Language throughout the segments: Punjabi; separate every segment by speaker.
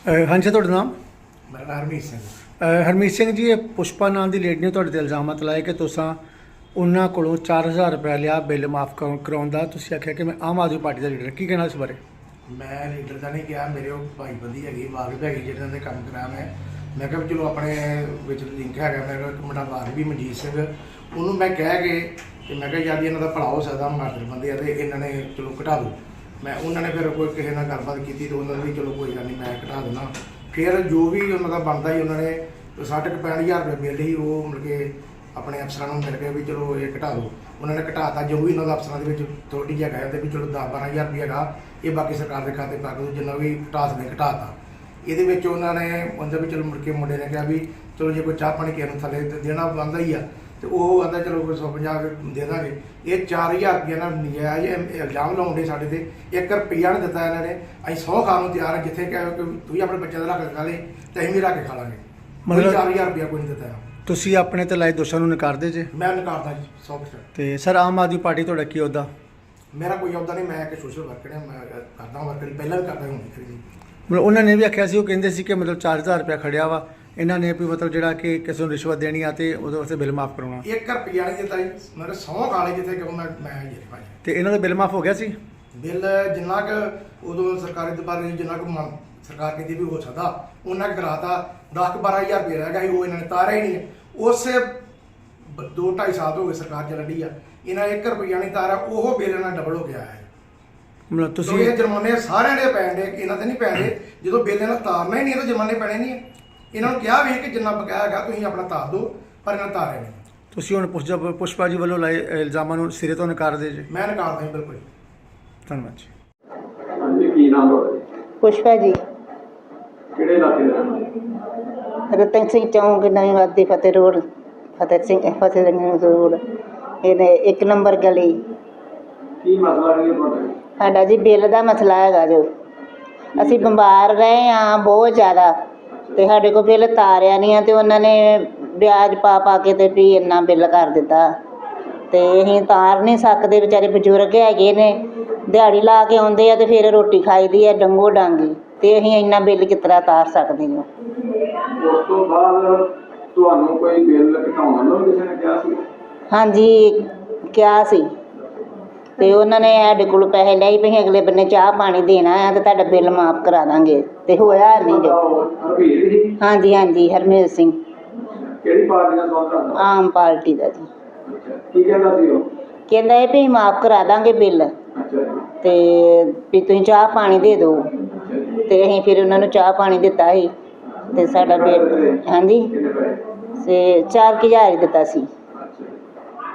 Speaker 1: ਹਾਂਜੀ ਤੁਹਾਡਾ ਨਾਮ?
Speaker 2: ਮੇਰਾ ਨਾਮ ਹਰਮੀਤ ਸਿੰਘ।
Speaker 1: ਹਰਮੀਤ ਸਿੰਘ ਜੀ, ਇਹ ਪੁਸ਼ਪਾ ਨਾਮ ਦੀ ਲੇਡੀ ਨੇ ਤੁਹਾਡੇ 'ਤੇ ਇਲਜ਼ਾਮਤ ਲਾਏ ਕਿ ਤੁਸੀਂ ਉਹਨਾਂ ਕੋਲੋਂ 4000 ਰੁਪਏ ਲਿਆ ਬਿੱਲ ਮਾਫ ਕਰਾਉਣ ਦਾ। ਤੁਸੀਂ ਆਖਿਆ ਕਿ ਮੈਂ ਆਮ ਆਦਮੀ ਪਾਰਟੀ ਦਾ ਲੀਡਰ, ਕੀ ਕਹਿਣਾ ਇਸ ਬਾਰੇ?
Speaker 2: ਮੈਂ ਲੀਡਰ ਦਾ ਨਹੀਂ ਕਿਹਾ, ਮੇਰੇ ਉਹ ਭਾਈ ਬੰਦੀ ਹੈਗੀ, ਵਾਕਫ ਹੈਗੀ ਜਿਹਨਾਂ ਦੇ ਕੰਮ ਕਰਾਇਆ ਮੈਂ ਕਿਹਾ ਵੀ ਚਲੋ ਆਪਣੇ ਵਿੱਚ ਲਿੰਕ ਹੈਗਾ। ਮੈਂ ਕਿਹਾ ਇੱਕ ਮੁੰਡਾ ਵਾਕਫ ਵੀ ਮਨਜੀਤ ਸਿੰਘ, ਉਹਨੂੰ ਮੈਂ ਕਹਿ ਕੇ ਕਿ ਮੈਂ ਕਿਹਾ ਯਾਰ ਇਹਨਾਂ ਦਾ ਭਲਾ ਹੋ ਸਕਦਾ, ਮਾਰਦਰ ਬੰਦੇ ਆ ਤੇ ਇਹਨਾਂ ਨੇ ਚਲੋ ਘਟਾ ਦਿਓ। ਮੈਂ ਉਹਨਾਂ ਨੇ ਫਿਰ ਕੋਈ ਕਿਸੇ ਨਾਲ ਗੱਲਬਾਤ ਕੀਤੀ ਤੇ ਉਹਨਾਂ ਨੇ ਚਲੋ ਕੋਈ ਗੱਲ ਨਹੀਂ ਮੈਂ ਘਟਾ ਦੇਣਾ। ਫਿਰ ਜੋ ਵੀ ਉਹਨਾਂ ਦਾ ਬਣਦਾ ਸੀ ਉਹਨਾਂ ਨੇ 60-65,000 ਰੁਪਏ ਬਿੱਲ ਸੀ, ਉਹ ਮਤਲਬ ਕਿ ਆਪਣੇ ਅਫਸਰਾਂ ਨੂੰ ਮਿਲ ਕੇ ਵੀ ਚਲੋ ਇਹ ਘਟਾ ਦਿਓ। ਉਹਨਾਂ ਨੇ ਘਟਾਤਾ, ਜੋ ਵੀ ਉਹਨਾਂ ਦਾ ਅਫਸਰਾਂ ਦੇ ਵਿੱਚ ਥੋੜੀ ਜਿਹਾ ਕਹਿੰਦੇ ਵੀ ਚਲੋ 10-12,000 ਰੁਪਏ ਹੈਗਾ, ਇਹ ਬਾਕੀ ਸਰਕਾਰ ਦੇ ਖਾਤੇ ਪਾ ਕੇ ਜਿੰਨਾ ਵੀ ਘਟਾ ਸਕਦੇ ਘਟਾਤਾ। ਇਹਦੇ ਵਿੱਚ ਉਹਨਾਂ ਨੇ ਉਹਦੇ ਵੀ ਚਲੋ ਮੁੜ ਕੇ ਮੁੰਡੇ ਨੇ ਕਿਹਾ ਵੀ ਚਲੋ ਜੇ ਕੋਈ ਚਾਹ ਪਾਣੀ ਕਿਸੇ ਨੂੰ ਥੱਲੇ ਦੇਣਾ ਬਣਦਾ ਹੀ ਆ ਤੇ ਉਹ ਆਂਦਾ ਚਲੋ ਕੋਈ 150 ਦੇ ਦਾਂਗੇ। ਇਹ 4000 ਰੁਪਏ ਨਾਲ ਨਜਾਇਜ਼ ਇਲਜ਼ਾਮ ਲਾਉਂਦੇ ਸਾਡੇ ਤੇ। 1 ਰੁਪਈਆ ਨਹੀਂ ਦਿੱਤਾ ਇਹਨਾਂ ਨੇ। ਅਸੀਂ 100 ਖਾਣ ਨੂੰ ਤਿਆਰ ਹਾਂ, ਜਿੱਥੇ ਕਹੇ ਕਿ ਤੁਸੀਂ ਆਪਣੇ ਬੱਚਿਆਂ ਦਾ ਰੱਖ ਕੇ ਖਾ ਲੇ ਤੇ ਅਸੀਂ ਵੀ ਰੱਖ ਕੇ ਖਾ ਲਾਂਗੇ। ਮਤਲਬ 4000 ਰੁਪਇਆ ਕੋਈ ਨਹੀਂ ਦਿੱਤਾ।
Speaker 1: ਤੁਸੀਂ ਆਪਣੇ ਤੇ ਲਾਏ ਦੋਸ਼ਾਂ ਨੂੰ ਨਕਾਰਦੇ ਜੇ?
Speaker 2: ਮੈਂ ਨਕਾਰਦਾ ਜੀ 100%।
Speaker 1: ਤੇ ਸਰ, ਆਮ ਆਦਮੀ ਪਾਰਟੀ ਤੁਹਾਡਾ ਕੀ ਅਹੁਦਾ?
Speaker 2: ਮੇਰਾ ਕੋਈ ਅਹੁਦਾ ਨਹੀਂ, ਮੈਂ ਇੱਕ ਸੋਸ਼ਲ ਵਰਕਰ ਹਾਂ। ਮੈਂ ਕਰਦਾ ਵਰਕਰ, ਪਹਿਲਾਂ ਵੀ ਕਰਦਾ, ਹੁਣ ਵੀ ਕਰੀ।
Speaker 1: ਮਤਲਬ ਉਹਨਾਂ ਨੇ ਵੀ ਆਖਿਆ ਸੀ, ਉਹ ਕਹਿੰਦੇ ਸੀ ਕਿ ਮਤਲਬ 4000 ਰੁਪਇਆ ਖੜਿਆ ਵਾ ਇਹਨਾਂ ਨੇ ਵੀ, ਮਤਲਬ ਜਿਹੜਾ ਕਿ ਕਿਸੇ ਨੂੰ ਰਿਸ਼ਵਤ ਦੇਣੀ ਆ ਤੇ ਉਹਦੇ ਵਾਸਤੇ ਬਿੱਲ ਮਾਫ ਕਰਾਉਣਾ।
Speaker 2: 1 ਰੁਪਈਆ ਨਹੀਂ ਦਿੱਤਾ ਜੀ। ਮੇਰੇ 100 ਖਾ ਲਏ ਜਿੱਥੇ ਕਿ ਮੈਂ ਜੀ ਭਾਈ।
Speaker 1: ਤੇ ਇਹਨਾਂ ਦਾ ਬਿੱਲ ਮਾਫ ਹੋ ਗਿਆ ਸੀ?
Speaker 2: ਬਿੱਲ ਜਿੰਨਾ ਕੁ ਉਦੋਂ ਸਰਕਾਰੀ ਦਬਾਰੇ ਜਿੰਨਾ ਕੁ ਸਰਕਾਰ ਕਹਿੰਦੀ ਵੀ ਹੋ ਸਕਦਾ ਉਹਨਾਂ ਕੁ ਕਰਾਤਾ। 10-12,000 ਰੁਪਏ ਰਹਿ ਗਿਆ ਸੀ, ਉਹ ਇਹਨਾਂ ਨੇ ਤਾਰਿਆ ਹੀ ਨਹੀਂ। ਉਸੇ 2-2.5 ਸਾਲ ਹੋ ਗਏ ਸਰਕਾਰ ਚੱਲਦੀ ਆ, ਇਹਨਾਂ 1 ਰੁਪਈਆ ਨਹੀਂ ਤਾਰਿਆ। ਉਹ ਬਿੱਲ ਨਾਲ ਡਬਲ ਹੋ ਗਿਆ ਹੈ।
Speaker 1: ਮਤਲਬ ਤੁਸੀਂ
Speaker 2: ਇਹ ਜੁਰਮਾਨੇ ਸਾਰਿਆਂ ਦੇ ਪੈਣ ਦੇ, ਇਹਨਾਂ ਤੇ ਨਹੀਂ ਪੈਂਦੇ। ਜਦੋਂ ਬਿੱਲ ਇਹਨਾਂ ਤਾਰਨਾ ਹੀ ਨਹੀਂ ਤਾਂ ਜੁਰਮਾਨੇ ਪੈਣੇ ਨਹੀਂ। ਇਹਨਾਂ ਨੂੰ ਕਿਹਾ ਵੀ ਕਿ ਜਿੰਨਾ ਬਕਾਇਆ ਹੈਗਾ ਤੁਸੀਂ ਆਪਣਾ ਤਾਰ ਦਿਓ, ਪਰ ਇਹਨਾਂ ਤਾਰਿਆ ਨਹੀਂ।
Speaker 1: ਤੁਸੀਂ ਹੁਣ ਪੁਸ਼ਪਾ ਜੀ ਵੱਲੋਂ ਲਾਏ ਇਲਜ਼ਾਮਾਂ ਨੂੰ ਸਿਰੇ ਤੋਂ ਨਕਾਰਦੇ ਜੇ?
Speaker 2: ਮੈਂ ਨਕਾਰਦਾ ਜੀ, ਬਿਲਕੁਲ।
Speaker 1: ਧੰਨਵਾਦ ਜੀ।
Speaker 3: ਹਾਂਜੀ, ਕੀ ਨਾਮ ਤੁਹਾਡਾ ਜੀ?
Speaker 4: ਪੁਸ਼ਪਾ ਜੀ,
Speaker 3: ਕਿਹੜੇ ਇਲਾਕੇ ਦੇ ਰਹਿਣ ਵਾਲੇ?
Speaker 4: ਰਤਨ ਸਿੰਘ ਚੌਂਕ, ਨਵੀਂ ਵਾਦੀ, ਫਤਿਹ ਰੋਡ, ਫਤਿਹ ਰੋਡ, ਇਹਨੇ 1 ਨੰਬਰ ਗਲੀ।
Speaker 3: ਕੀ ਮਸਲਾ ਕੀ ਹੈ ਤੁਹਾਡਾ ਜੀ?
Speaker 4: ਸਾਡਾ ਜੀ ਬਿੱਲ ਦਾ ਮਸਲਾ ਹੈਗਾ ਜੋ ਅਸੀਂ ਬਿਮਾਰ ਰਹੇ ਹਾਂ ਬਹੁਤ ਜ਼ਿਆਦਾ, ਤੇ ਸਾਡੇ ਕੋਲ ਬਿੱਲ ਤਾਰਿਆ ਨਹੀਂ ਆ ਤੇ ਉਹਨਾਂ ਨੇ ਵਿਆਜ ਪਾ ਕੇ ਤੇ ਵੀ ਇੰਨਾ ਬਿੱਲ ਕਰ ਦਿੱਤਾ ਤੇ ਅਸੀਂ ਤਾਰ ਨਹੀਂ ਸਕਦੇ। ਵਿਚਾਰੇ ਬਜ਼ੁਰਗ ਹੈਗੇ ਨੇ, ਦਿਹਾੜੀ ਲਾ ਕੇ ਆਉਂਦੇ ਆ ਤੇ ਫਿਰ ਰੋਟੀ ਖਾਈਦੀ ਆ ਡੰਗੋ ਡਾਂਗੀ, ਤੇ ਅਸੀਂ ਇੰਨਾ ਬਿੱਲ ਕਿਸ ਤਰ੍ਹਾਂ ਤਾਰ ਸਕਦੇ ਹਾਂ?
Speaker 3: ਉਸ ਤੋਂ ਬਾਅਦ ਤੁਹਾਨੂੰ ਕੋਈ ਬਿੱਲ ਘਟਾਉਣ ਨੂੰ ਕਿਸੇ ਨੇ ਕਿਹਾ ਸੀ?
Speaker 4: ਹਾਂਜੀ, ਕਿਹਾ ਸੀ ਤੇ ਉਹਨਾਂ ਨੇ ਸਾਡੇ ਕੋਲ ਪੈਸੇ ਲਏ ਵੀ ਅਗਲੇ ਬੰਨੇ ਚਾਹ ਪਾਣੀ ਦੇਣਾ ਆ ਤੇ ਤੁਹਾਡਾ ਬਿੱਲ ਮਾਫ ਕਰਾ ਦਾਂਗੇ, ਤੇ ਹੋਇਆ ਨਹੀਂ ਜੋ।
Speaker 3: ਹਰਵੀਰ ਜੀ?
Speaker 4: ਹਾਂਜੀ ਹਾਂਜੀ, ਹਰਮੀਤ ਸਿੰਘ।
Speaker 3: ਕਿਹੜੀ ਪਾਰਟੀ ਨਾਲ ਸੰਬੰਧ ਰੱਖਦਾ?
Speaker 4: ਆਮ ਪਾਰਟੀ ਦਾ ਜੀ।
Speaker 3: ਅੱਛਾ, ਕੀ ਕਹਿੰਦਾ ਸੀ ਉਹ?
Speaker 4: ਕਹਿੰਦਾ ਇਹ ਵੀ ਮਾਫ ਕਰਾ ਦਾਂਗੇ ਬਿੱਲ,
Speaker 3: ਅੱਛਾ ਜੀ।
Speaker 4: ਤੇ ਵੀ ਤੁਸੀਂ ਚਾਹ ਪਾਣੀ ਦੇ ਦਿਓ।
Speaker 3: ਅੱਛਾ ਜੀ।
Speaker 4: ਤੇ ਅਸੀਂ ਫਿਰ ਉਹਨਾਂ ਨੂੰ ਚਾਹ ਪਾਣੀ ਦਿੱਤਾ ਸੀ ਤੇ ਸਾਡਾ ਬਿੱਲ, ਹਾਂਜੀ,
Speaker 3: ਕਿੰਨੇ ਪੈਸੇ?
Speaker 4: ਤੇ 4000 ਹੀ ਦਿੱਤਾ ਸੀ।
Speaker 3: ਅੱਛਾ ਜੀ।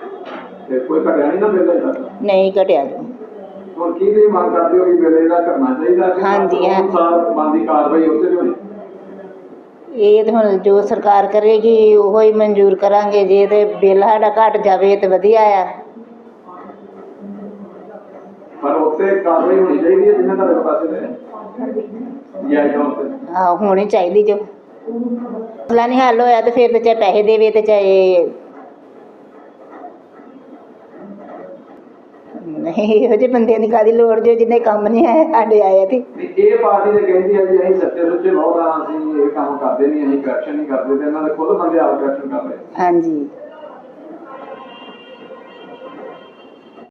Speaker 3: ਤੇ ਕੋਈ ਘਟਿਆ ਨਹੀਂ ਨਾ ਬਿੱਲ ਇਹਦਾ?
Speaker 4: ਨਹੀਂ ਘਟਿਆ ਜੀ।
Speaker 3: ਹੁਣ ਕੀ ਤੁਸੀਂ ਮੰਗ ਕਰਦੇ ਹੋ ਕਿ ਬਿੱਲ ਇਹਦਾ ਕਰਨਾ ਚਾਹੀਦਾ?
Speaker 4: ਹਾਂਜੀ, ਹਾਂ।
Speaker 3: ਅਨੁਸਾਰ ਬਣਦੀ ਕਾਰਵਾਈ ਉੱਥੇ ਵੀ ਹੋਣੀ?
Speaker 4: ਇਹ ਤਾਂ ਹੁਣ ਜੋ ਸਰਕਾਰ ਕਰੇਗੀ ਉਹੋ ਹੀ ਮਨਜ਼ੂਰ ਕਰਾਂਗੇ। ਜੇ ਤੇ ਬਿੱਲ ਸਾਡਾ ਘਟ ਜਾਵੇ ਤੇ ਵਧੀਆ ਆ।
Speaker 3: ਪਰ ਉੱਥੇ ਕਾਰਵਾਈ ਹੋਣੀ ਚਾਹੀਦੀ ਹੈ ਜਿੰਨਾ ਤੁਹਾਡੇ ਪਾਸੇ ਦੇ ਜਾਇਜ਼ ਤੌਰ ਤੇ।
Speaker 4: ਆਹੋ, ਹੋਣੀ ਚਾਹੀਦੀ ਜੋ ਮਸਲਾ ਨਹੀਂ ਹੱਲ ਹੋਇਆ ਤੇ ਫਿਰ ਤੇ ਚਾਹੇ ਪੈਸੇ ਦੇਵੇ ਤੇ ਚਾਹੇ ਨਹੀਂ। ਇਹੋ ਜਿਹੇ ਬੰਦਿਆਂ ਦੀ ਕਾਹਦੀ ਲੋੜ ਜੋ ਜਿਹਨੇ ਕੰਮ ਨਹੀਂ ਆਇਆ, ਸਾਡੇ ਆਇਆ ਤੇ।
Speaker 3: ਇਹ ਪਾਰਟੀ ਤੇ ਕਹਿੰਦੀ ਹੈ ਜੀ ਅਸੀਂ ਸੱਚੇ ਸੁੱਚੇ ਬਹੁਤ ਹਾਂ, ਅਸੀਂ ਇਹ ਕੰਮ ਕਰਦੇ ਨਹੀਂ, ਅਸੀਂ ਕਰਪਸ਼ਨ ਨਹੀਂ ਕਰਦੇ, ਤੇ ਇਹਨਾਂ ਦੇ ਖੁਦ ਬੰਦੇ ਆਪ ਕਰਪਸ਼ਨ ਕਰ ਰਹੇ।
Speaker 4: ਹਾਂਜੀ।